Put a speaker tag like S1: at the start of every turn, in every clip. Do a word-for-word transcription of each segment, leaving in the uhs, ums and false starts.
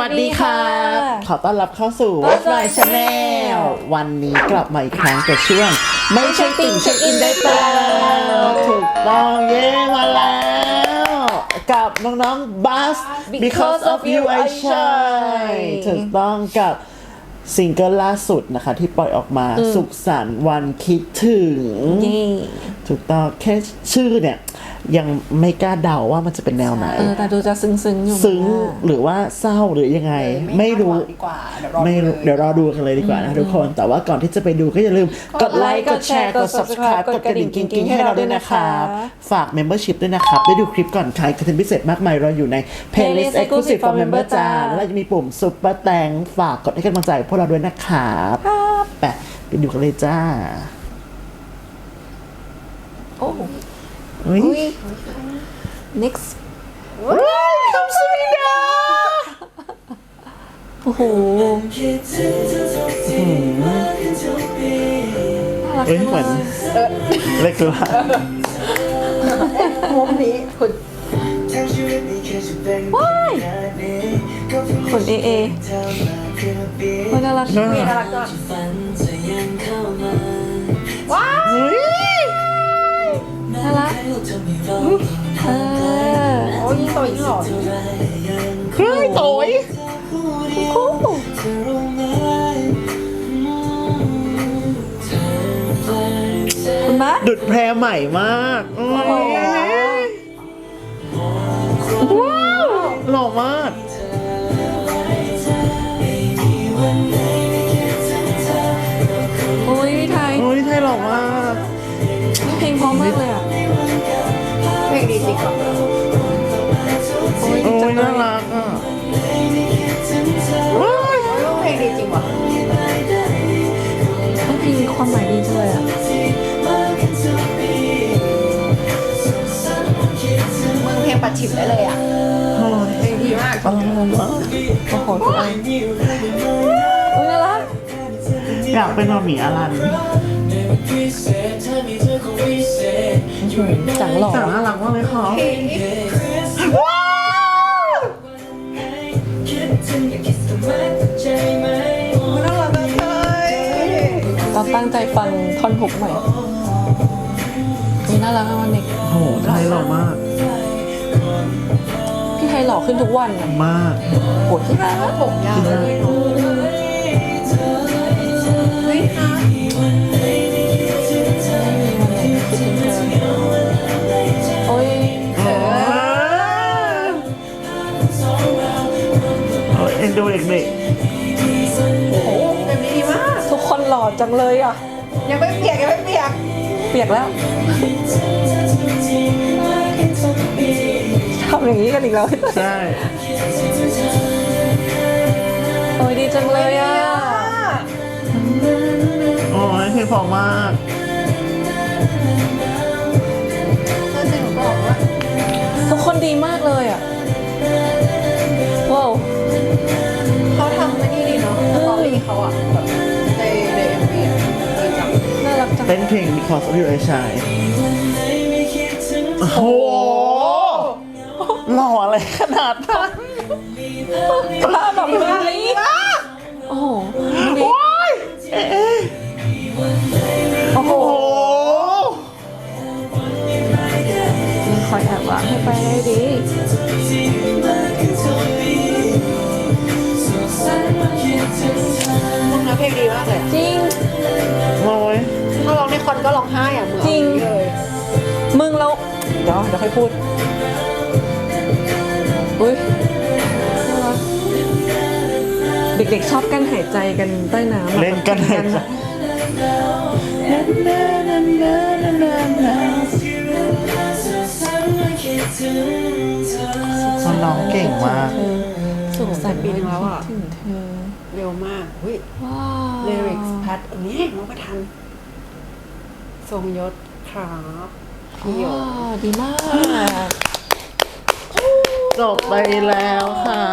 S1: วัสดีครับขอต้อนรับเข้าสู่ What's My Channel วันนี้กลับมาอีกครั้งกับช่วงไม่ใช่ติ่งเช็คอินได้เปล่าถูกต้องเย้มาแล้วกับน้องๆ Buzz Because of You I Shine ถูกต้องกับซิงเกิลล่าสุดนะคะที่ปล่อยออกมาสุขสันต์วันคิดถึงถูกต้องแค่ชื่อเนี่ยยังไม่กล้าเดาว่ามันจะเป็นแนวไหน
S2: เออแต่ดูจะซึ้งๆอยู่
S1: ซึ้งหรือว่าเศร้าหรือยังไงไม่รู้ไม่รู้เดี๋ยวรอดูกันเลยดีกว่านะทุกคนแต่ว่าก่อนที่จะไปดูก็อย่าลืมกดไลค์กดแชร์กด Subscribe กดกระดิ่งกิ๊งๆให้เราด้วยนะครับฝาก Membership ด้วยนะครับได้ดูคลิปก่อนใครคอนเทนต์พิเศษมากมายรออยู่ใน Playlist Exclusive for Member จ้าแล้วจะมีปุ่ม Super แตงฝากกดให้กำลังใจพวกเราด้วยนะครับไปไปดูกันเลยจ้า
S2: โอ้
S1: อุ้ย
S2: next
S1: คำสุริดา
S2: โอ้โห
S1: เอ้ยเหมือนเล็กตัว
S2: มุมนี้คุณว้ายคุณเอเอคุณน่ารักน่ารักก็ว้ายน่ารักเออโอ้ยโตยิ่งหล่อ
S1: เฮ้ยโตย
S2: คุณบ้า
S1: ดุดแพรใหม่มากว้าวหล่อมาก
S2: โอ้ยพี่ไทย
S1: โอ้ยไทยหล่อมาก
S2: เพลงเพราะมากเลยอ่ะเพลงดีจริงอ่ะโอ้ยจังเลย
S1: น่ารักอ่ะ
S2: เพลงดีจริงว่ะเพลงมีความหมายดีจังเลยอ่ะมึงเพลงปัดฉิบได้เลยอ่ะเพลงดีมากโอ้โหทุกอันโอ้ยน่ารัก
S1: อยากเป็นมาหมีอลัน
S2: จังหล่อ
S1: จังน่ารักมากเลยค่ะว้าวน่ารักเลย
S2: ต้องตั้งใจฟังท่อนฮุกใหม่นี่น่ารักมากเด็ก
S1: โอ้โหไทยหล่อมาก
S2: พี่ไทยหล่อขึ้นทุกวัน
S1: มาก
S2: โหดที่น่ารักผมยาวเลยเฮ้ยค่ะโอ้ยเออ
S1: โอ้ยเอ็นดูเด็ก
S2: ๆโอ้โหแบบนี้ดีมากทุกคนหล่อจังเลยอ่ะยังไม่เปียกยังไม่เปียกเปียกแล้วทำอย่างนี้กันอีกแล้ว
S1: ใช่
S2: โอ้ยดีจังเลยอ่ะ
S1: โอ้ยเพลงเพราะมาก
S2: ทุกคนดีมากเลยอ่ะว้าว
S3: เขาทำไม่นี่ดีเนาะสตอรี่เขาอ่ะแบบในในเอ็มวีอ่ะดีจัง
S2: น่ารักจัง
S1: เต้นเพลง Because of You I Shine โอ้โหหล่ออะไรขนาดนั้น
S2: ภาพแบบนี้โอ้โห
S1: โอ้ย
S2: โอ้โหคอยแอบวางให้ไปได้ดี
S3: มึงนะเพลงดีมากเลย
S2: จริง
S1: โอ้ย
S3: ถ้าร้องในคอนก็ร้องไห้อ่ะเหมือน
S2: จริง
S3: เลย
S2: มึงแล้วเดี๋ยวเดี๋ยวค่อยพูดอุ้ยเด็กๆชอบกันหายใจกันใต้น้ำ
S1: เล่นกันหายใจมันร้องเก่งมาก
S2: สุขสันต์
S3: ปีนึงแล้วอ่ะ
S2: ถึงเธอ
S3: เร็วมากเฮ้ย
S2: ว้าว
S3: ลิริกส์แพทอันนี้น้องประทันทรงยศครับพี่โย
S2: ดีมาก
S1: จบไปแล้วครับ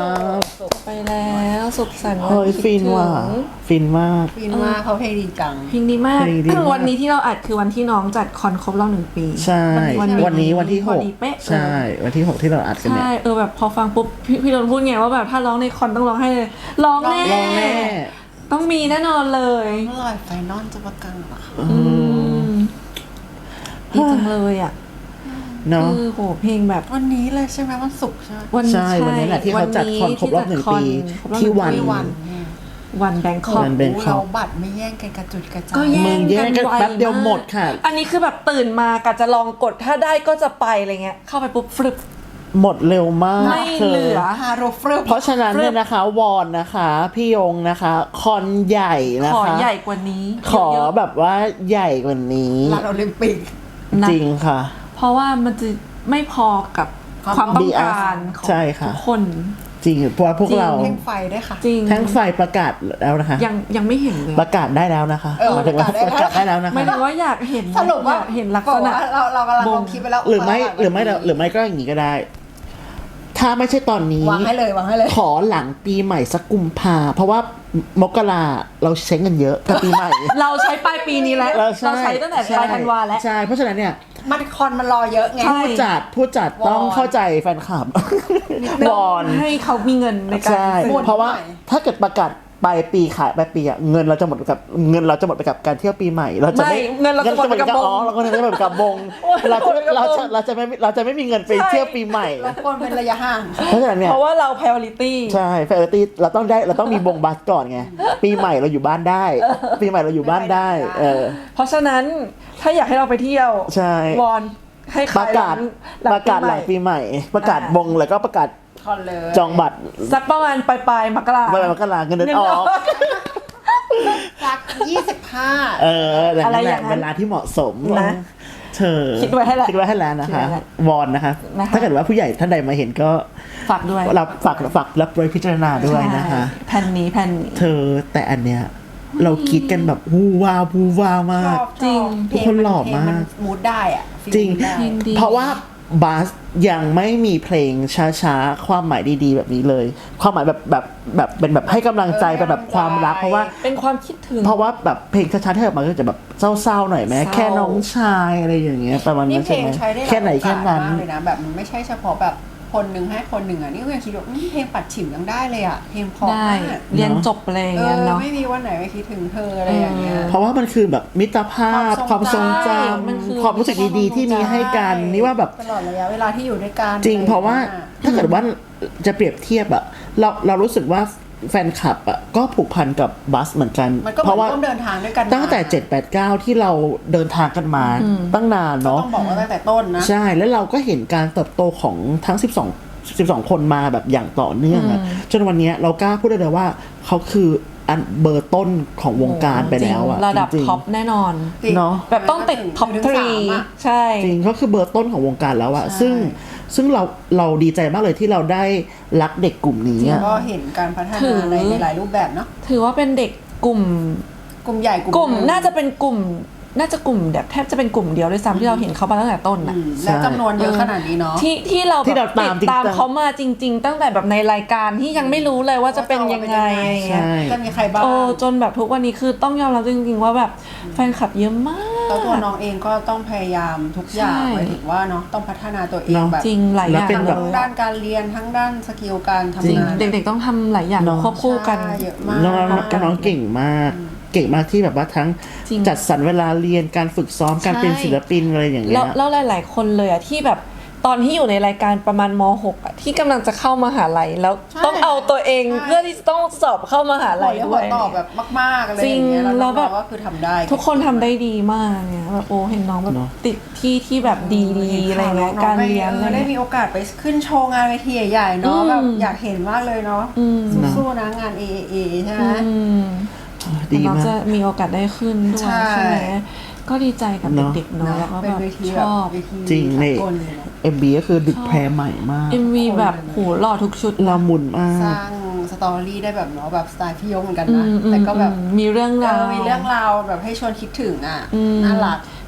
S3: จบไปแล้วสุขสันต์วัน
S1: เฮ้ย
S3: คิด
S1: ฟิน
S3: ถึง
S1: ว่ะฟินมาก
S2: ฟินมากเขาเพลงดีจัง
S3: เพลงดีมาก
S1: เพลงดีมาก
S3: วันนี้ที่เราอัดคือวันที่น้องจัดคอนครบรอบหนึ่งปี
S1: ใช่
S3: วันนี้
S1: วันนี้วันที่ห
S3: พอก ดีเป๊ะ
S1: ใช่ วันที่หกที่เราอัดกันเนี่ย
S3: ใช่เออแบบพอฟังปุ๊บพี่พี่โดนพูดไงว่าแบบถ้าร้องในคอนต้องร้องให้เลยร้องแน่
S1: ร้องแน่
S3: ต้องมีแน่นอนเลย
S2: เมื่อไหร่ไฟนอลจะประกันเหรอคะ
S3: อืมดีจังเลยอ่ะ
S1: เนาะ
S3: คือโหเพลงแบบ
S2: วันนี้เลยใช่ไหมวันศุกร์ใช่ไหม
S3: วัน
S1: ใช่วันนี้แหละที่เขาจัดคอนครบรอบหนึ่งปีที่วัน
S2: ที่วันเนี่ย
S3: วันแบงคอก
S1: วัน Bangkok
S2: เราบัตรไม่แย่งกันกระจุดกระจาย
S3: ก็แย่
S1: มึง
S3: ง
S1: แย่
S3: กัน
S1: งกัน
S3: ไว
S1: แป๊บเดียวหมดค่ะ
S3: อันนี้คือแบบตื่นมากะจะลองกดถ้าได้ก็จะไปอะไรเงี้ยเข้าไปปุ๊บฟลึบ
S1: หมดเร็วมาก
S3: ไม่
S1: ธ
S3: เหลือ
S2: ฮาโรฟรึบ
S1: เพราะฉะนั้นเนี่ยนะคะ วอนนะคะ พี่ยงนะคะ คอนใหญ่นะ
S3: ขอ
S1: คะ
S3: ใหญ่กว่านี้
S1: ขอ
S3: เยอะๆ
S1: แบบว่าใหญ่กว่านี้
S2: ลานโอลิมปิก
S3: นะ
S1: จริงค่ะ
S3: เพราะว่ามันจะไม่พอกับ
S2: ความ
S3: ความต้องการของ
S1: ใช่ค่ะ
S3: ทุกคน
S1: จริงเพราะว่าพวกเรา
S2: เพลงไฟด้วยค่ะ
S3: จริง
S1: แท่งไฟประกาศแล้วนะคะ
S3: ยังยังไม่เห็นเลย
S1: ประกาศได้แล้วนะคะ
S2: เออ
S1: หมายถึงว่า
S2: ป
S1: ประ ระ
S2: กาศ
S1: กา
S2: ได้
S1: ศ
S2: แล้
S1: ได้
S2: ว
S1: แล้วนะคะ
S3: ไม่รู้ว่าอยากเห็น
S2: สรุปว่า
S3: อยกเห็นลัก
S2: บอก
S3: ษณะ
S2: ว่าเราเรากำลัง
S3: ว
S2: ล
S3: ง
S2: งคลิปไปแล้ว
S1: หรือไม่หรือไม่หรือไม่ก็อย่างนี้ก็ได้ ถ้าไม่ใช่ตอนนี้
S2: วางให้เลยวางให้เลย
S1: ขอหลังปีใหม่สักกุมภาเพราะว่ามกราเราใช้เงินเยอะกับปีใหม่
S3: เราใช้ปลายปีนี้แล้ว
S1: เรา
S3: เราใช้ตั้งแต่ปลายธันวาแล้ว
S1: ใช่เพราะฉะนั้นเนี่ย
S2: มันคอนมันรอเยอะไง
S3: ใช่
S1: ผู้จัดผู้จัดต้อง
S2: วอน
S1: เข้าใจแฟนคลับวอน
S3: ให้เขามีเงินในการ
S1: ใช่
S3: ซื้อ
S1: เพราะว่า
S2: หน่อย
S1: ถ้าเกิดประกาศปลายปีขายปลายปีอะเงินเราจะหมดไปกับเงินเราจะหมดไปกับการเที่ยวปีใหม่ เราจะไม่
S3: ไม่เงินเราจะหมดไปกับ
S1: อ๋อ
S3: วง
S1: เราก็จะหมดไปกับบง
S3: โอ้ย
S1: เราจะ
S3: หมดไปกับ
S1: เรา
S3: วง
S1: จะเราจะไม่เราจะไม่มีเงินไปเที่ยวปีใหม่
S2: เราควรเป็นระยะห่าง
S1: เพราะฉะนั้นเนี่ย
S3: เพราะว่าเรา priority
S1: ใช่แฟร์ตี้เราต้องได้เราต้องมีบงบัสก่อนไงปีใหม่เราอยู่บ้านได้ ปีใหม่เราอยู่บ้านได้ เออ
S3: เพราะฉะนั้นถ้าอยากให้เราไปเที่ยว
S1: ใช่
S3: วอนให้
S1: ป
S3: ขาย
S1: ระกาศ
S3: หลัง
S1: ประกาศหลังปีใหม่ ประกาศบงแล้วก็ประกาศ
S2: คอนเลย
S1: จองบัตร
S3: สักประมาณปลายปลายๆมกรา
S1: เวลามกราเงินเดือนออก
S2: สักยี่สิบห้า
S1: เออแต่
S3: อะไร
S1: นั่นแห
S3: อ
S1: ละ
S3: ย่างนั้น
S1: เวลาที่เหมาะสม
S3: นะ
S1: เธอ
S3: คิดไว้ให้แล้ว
S1: คิดไว้ให้แล้วนะ
S3: คิด
S1: คะ
S3: ไว้แล้ว
S1: วอนนะคะ
S3: นะคะ
S1: ถ้าเกิดว่าผู้ใหญ่ท่านใดมาเห็นก็
S3: ฝากด้วย
S1: รับฝากฝากรับไว้พิจารณาด้วยนะคะ
S3: ใช่แผ่นนี้แผ่นนี้
S1: เธอแต่อันเนี้ยเราคิดกันแบบวูวาววูวาวมาก
S3: จริง
S1: ทุกคนหล่อมาก
S2: มูดได้อ่ะ
S1: จริง
S2: ฟีลได้
S3: เพลงดี
S1: เพราะว่าบัสยังไม่มีเพลงช้าๆ ความหมายดีๆ แบบนี้เลย ความหมายแบบแบบแบบเป็นแบบให้กำลังใจ
S2: เออ
S1: เป็นแบบความรัก
S2: ให้
S1: เพ
S2: กำลังใจ
S1: ราะว่า
S3: เป็นความคิดถึง
S1: เพราะว่าแบบเพลงช้าๆที่ออกมาก็จะแบบเศร้าๆหน่อยไหม
S3: เศร้า
S1: แค่น้องชายอะไรอย่างเงี้ยประมาณ
S2: นี่
S1: นั้น
S2: เพล
S1: ใช่
S2: ง
S1: ไหม
S2: ใช้ได้หลาย
S1: แค่ไหนแค่นั้น
S2: โอกาสมากเลยนะแบบมันไม่ใช่เฉพาะแบบคนหนึ่งให้คนหนึ่งอ่ะนี่ก็ยังคิดว่าอืมเพลงปัดฉิมยังได้เลยอ่ะเพลงเพอ
S3: ได้
S2: มาก
S3: เรียนจบอะไรอย่าง
S2: เอ
S3: เงี้ย
S2: อ
S3: เนาะ
S2: ไม่มีวันไหนไม่คิดถึงเธออะไรอย่างเงี้ย
S1: เพราะว่ามันคือแบบมิตรภาพความ ม
S2: คาวท
S1: ท
S2: ร
S1: รง ง
S2: จ
S1: จ
S3: ำมันคือ
S1: ำความรู้สึกดีๆ ที่มีให้กันนี่ว่าแบบ
S2: ตลอดระยะเวลาที่อยู่ด้วยกัน
S1: จริง เพราะว่า
S2: อไอย่งงี้ย
S1: ถ้าเกิดว่าจะเปรียบเทียบอะเราเรารู้สึกว่าแฟนคลับอะก็ผูกพันกับบัสเหมือนกัน
S2: มันก็เห
S1: เพ
S2: มือ
S1: ราะว่า
S2: นร่วมเดินทางด้วยกันมา
S1: ตั้งแต่เจ็ด แปด เก้าที่เราเดินทางกันมาตั้งนาน
S2: ก็
S1: เนาะ
S2: ต้องบอกว่าตั้งแต่ต้นนะ
S1: ใช่แล้วเราก็เห็นการเติบโตของทั้งสิบสอง สิบสองคนมาแบบอย่างต่อเนื่องอะจนวันเนี้ยเรากล้าพูดได้เลยว่าเขาคืออันเบอร์ต้นของวงการไปแล้วอะ
S3: จริงระดับ
S1: จริงๆ
S3: ท็อปแน่นอน
S2: จริง
S1: เนาะ
S3: แบบต้องติดท็อป
S2: ถึง
S3: ทรี
S2: สามอะ
S3: ใช่
S1: จริงเขาคือเบอร์ต้นของวงการแล้วอะ
S2: ใช่
S1: ซึ่งซึ่งเราเราดีใจมากเลยที่เราได้รักเด็กกลุ่มนี้อะ
S2: ก็เห็นการพัฒ
S3: ถื
S2: นา
S3: อ
S2: ในในหลายรูปแบบเนาะ
S3: ถือว่าเป็นเด็กกลุ่ม
S2: กลุ่มใหญ่กลุ่ม
S3: กลุ่ม
S2: หง
S3: น่าจะเป็นกลุ่ม น่าจะกลุ่มแบบแทบจะเป็นกลุ่มเดียวด้วยซ้ำที่เราเห็นเขามาตั้งแต่ต้น
S2: อื
S3: น่ะ
S2: มและจำนวนเยอะขนาดนี้เนาะ
S3: ที่ที่เรา
S1: ที่
S3: แบ
S1: เรา
S3: บ
S1: ตาม
S3: ติดตาม
S1: จริงๆ
S3: เขามาจริง ๆ ตั้งแต่แบบในรายการที่ยังไม่รู้เลยว่าจะเป็นยังไงอะไรเงี้ย
S1: ใช่
S2: จะมีใครบ้าง
S3: โอ้จนแบบทุกวันนี้คือต้องยอมรับจริงๆว่าแบบแฟนคลับเยอะมาก
S2: แล้วตัวน้องเองก็ต้องพยายามทุกอย่าง
S3: ใช่
S2: หมายถึงว่าเนาะต้องพัฒนาตัวเอง
S1: เนาะ
S2: แบบ
S3: จริงหลายอย่าง
S1: แล้วเป็น
S3: เล
S1: แบบ
S2: ทั้ง
S3: ย
S2: ด้านการเรียนทั้งด้านสกิลการ
S3: จริง
S2: ทำงาน
S3: เด็กๆต้องทำหลายอย่าง
S1: เนอะ
S3: ควบคู่กัน
S2: ใช่เยอะมาก
S1: น้องน้องน้องเก่งมาก เก่งมากที่แบบว่าทั้ง
S3: จริง
S1: จัดสรรเวลาเรียนการฝึกซ้อมการเป็นศิลปินอะไรอย่างเงี้
S3: แล้
S1: ยว
S3: แล้วหลาย ๆ คนเลยอะที่แบบตอนที่อยู่ในรายการประมาณม หกอะที่กำลังจะเข้ามหาลัยแล้ว
S2: ใช่
S3: ต้องเอาตัวเอง
S2: ใช่
S3: เพื่อที่จะต้องสอบเข้ามหา
S2: หั
S3: ลั
S2: วย เรียก
S3: ด้
S2: หั
S3: ว
S2: วย ตอบแบบมากๆอะไร
S3: จริ
S2: อง ย่างเงี้ยแล้ว
S3: แล้วแบบ
S2: น้องๆก็คือทำได้
S3: ทุกคนทำได้ดีมากเนี่ยแบบโอ้เห็นน้องแบบติดที่ที่แบบดีๆอะไรเงี้ย
S2: น้องๆ
S3: การเรียน
S2: อ
S3: อะไร
S2: อได้
S3: เงี้ย
S2: มีโอกาสไปขึ้นโชว์งานเวทีใหญ่ๆเนาะ
S3: อืม
S2: แบบอยากเห็นมากเลยเนาะ
S3: อืม
S2: สู้ๆนะงาน เอ เอ เอ ใช่ไหม
S3: อืม
S1: ดี
S3: น้อง
S1: มาก
S3: จะมีโอกาสได้ขึ้นด้วย
S2: ใช่
S3: ใช่ไหมก็ดีใจกับ
S1: เนอะ
S3: เด็กๆเนาะแล้วก็
S2: เป็
S3: แบ
S2: น
S3: บ
S2: เวที
S3: ช
S2: แบบ
S3: อบ
S2: เวที
S1: จริงนี่
S2: สากลเลยนะ
S1: เอ็มบีก็คือดึกแพรใหม่มาก
S3: เอ็ม วี แบบโหหล่อทุกชุด
S1: ละมุนมา
S2: สร้าก งสตอรี่ได้แบบเนาะแบบสไตล์พี่ยงเหมือนกัน
S3: อื
S2: นะ
S3: มอืม
S2: แต่ก็แบบ
S3: อืมมีเรื่อง
S2: เอ
S3: ราว
S2: อมีเรื่องราวแบบให้ชวนคิดถึงอ่ะ
S3: อืม
S2: น่ารัก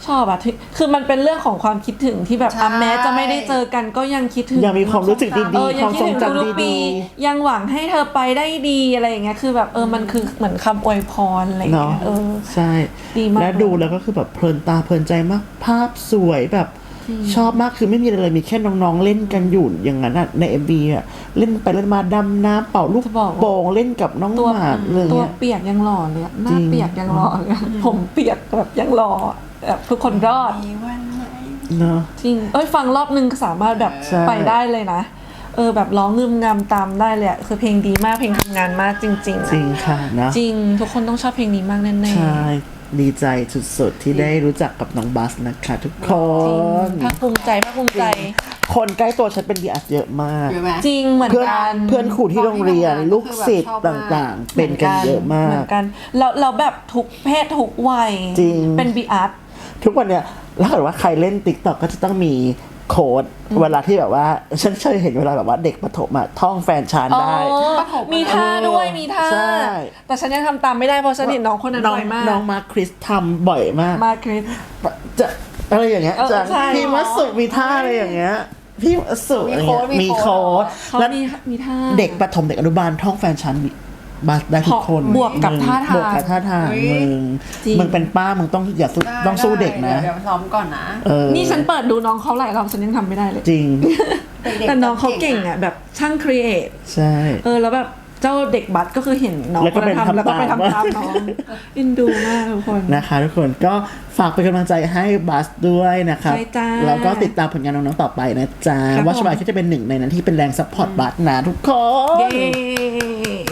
S4: ชอบอะที่คือมันเป็นเรื่องของความคิดถึงที่แบบอ่ะแม้จะไม่ได้เจอกันก็ยังคิดถึง
S1: ยังมีความรู้สึก
S4: เอ
S1: ดี
S4: อ
S1: ๆ ค
S4: ยัง
S1: วาม
S4: คิด
S1: ทรง
S4: ถึง
S1: จำ
S4: ทุกๆปี
S1: ดี
S4: ยังหวังให้เธอไปได้ดีอะไรอย่างเงี้ยคือแบบเออมันคือเหมือนคำอวยพรอะไรอ
S1: ๆ
S4: ย่าง
S1: เนาะ
S4: เงี้ยเออ
S1: ใช่
S4: ดีมาก
S1: และดูแล้วก็คือแบบเพลินตาเพลินใจมากภาพสวยแบบชอบมากคือไม่มีอะไรเลยมีแค่น้องๆเล่นกันอยู่อย่างนั้นอะใน เอ็ม วี อะเล่นไปเล่นมาดำน้ำเป่าลูก
S4: จะบอกว่า
S1: โป่งเล่นกับน้อง
S4: ตัว
S1: หมาเลย
S4: ตัว
S1: เนี่ย
S4: เปียกยังหล่อเลยอะหน้า
S1: จริง
S4: เปียกยังหล่อเลยอะผมเปียกแบบยังหล่อแบบทุกคนรอด
S3: มีวันไหน
S1: เนาะ
S4: จริงเอ้ยฟังรอบนึงก็สามารถแบบ
S1: ใช่
S4: ไปได้เลยนะเออแบบร้องงึมงำตามได้เลยอะคือเพลงดีมากเพลงทำงานมากจริงๆอะ
S1: จริงค่ะนะ
S4: จริงทุกคนต้องชอบเพลงนี้มากแน่ๆ
S1: ใช่ดีใจสุดๆที่ได้รู้จักกับน้องบัสนะคะทุกค
S4: จริง
S1: น
S4: ภาคภูมิใจภาคภูมิใจ
S1: คนใกล้ตัวฉันเป็นบีอาร์เยอะมาก
S3: เยอะไหม
S4: จริงเหมือน
S1: เพื่อน
S4: กัน
S1: เพื่อนครูที่โรงเรียน
S3: ตอนที่
S1: ลูก
S3: ทำงาน
S1: ศิษย์
S3: ก็คือ
S1: ต
S3: แบบชอบมาก
S1: ่างๆ เป็นกันเยอะมา
S4: เหมื
S1: ก
S4: อนกันเราเราแบบทุกเพศทุกวัย
S1: จริง
S4: เป็นบีอาร์
S1: ทุกวันเนี้ยถ้าเกิดว่าใครเล่นติ๊กต็อกก็จะต้องมีโค้ดเวลาที่แบบว่า ฉันเคยเห็นเวลาแบบว่าเด็กประถมอะท่องแฟนชานได้
S4: มีท่าด้วยมีท่า
S1: ใช่
S4: แต่ฉันยังทำตามไม่ได้เพราะฉันเห็นน้องคนนั้น
S1: น้อง
S4: บ่อยมาก
S1: น้องมาคริสทำบ่อยมาก
S4: มาคริส
S1: จะอะไรอย่างเงี้ย
S4: เออ
S1: จะ
S4: ใช่
S1: พี่มัสุมีท่าอะไรอย่างเงี้ยพี่มัสุ
S3: มี
S1: อะไร
S3: โค้
S1: เงี้
S3: ด
S1: ย
S3: มี
S1: มี
S3: โค้
S1: โค้
S3: ด
S1: ด
S4: เขา
S1: แล้ว
S4: มีมีท่า
S1: เด็กประถมเด็กอนุบาลท่องแฟนชั้นบัสได้ทุกคน
S4: บวกกับ
S1: มึง
S4: ท่าทาง
S1: บวกกับท่าทาง
S3: เฮ้ย
S1: มึง
S4: จริง
S1: มึงเป็นป้ามึงต้องอย่าสู้
S3: ได้
S1: ต้องสู้เด็กนะ
S3: เดี๋ยวซ้อมก่อนนะ
S1: เออ
S4: นี่ฉันเปิดดูน้องเขาหลายรอบฉันยังทำไม่ได้เลย
S1: จริง
S3: ด็กๆ
S4: แต่น้องเขาเก่งอ่ะแบบช่างครีเอท
S1: ใช่
S4: เออแล้วแบบเจ้าเด็กบัสก็คือเห็นน้อง
S1: แล้วก็
S4: คนนั้น
S1: ไป
S4: ทำแล้วก็ไป
S1: ทำ
S4: ทำ
S1: ตา
S4: ตาม มน้องเอ็นดูมากทุกคน
S1: นะคะทุกคนก็ฝากเป็นกำลังใจให้บัสด้วยนะครับ
S4: ใช่จ้า
S1: แล้วก็ติดตามผลงานน้องๆต่อไปนะจ๊ะ
S4: ครับ
S1: ว่าชบาย
S4: ผม
S1: ก็จะเป็นหนึ่งในนั้นที่เป็นแรงซัพพอร์ตบัสนะทุกคน
S4: เย้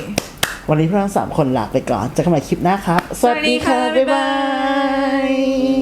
S1: วันนี้พวกเราสามคนลาไปก่อนเจอกันใหม่คลิปหน้าครับ
S4: สวัสดีค่ะ
S1: บ๊ายบาย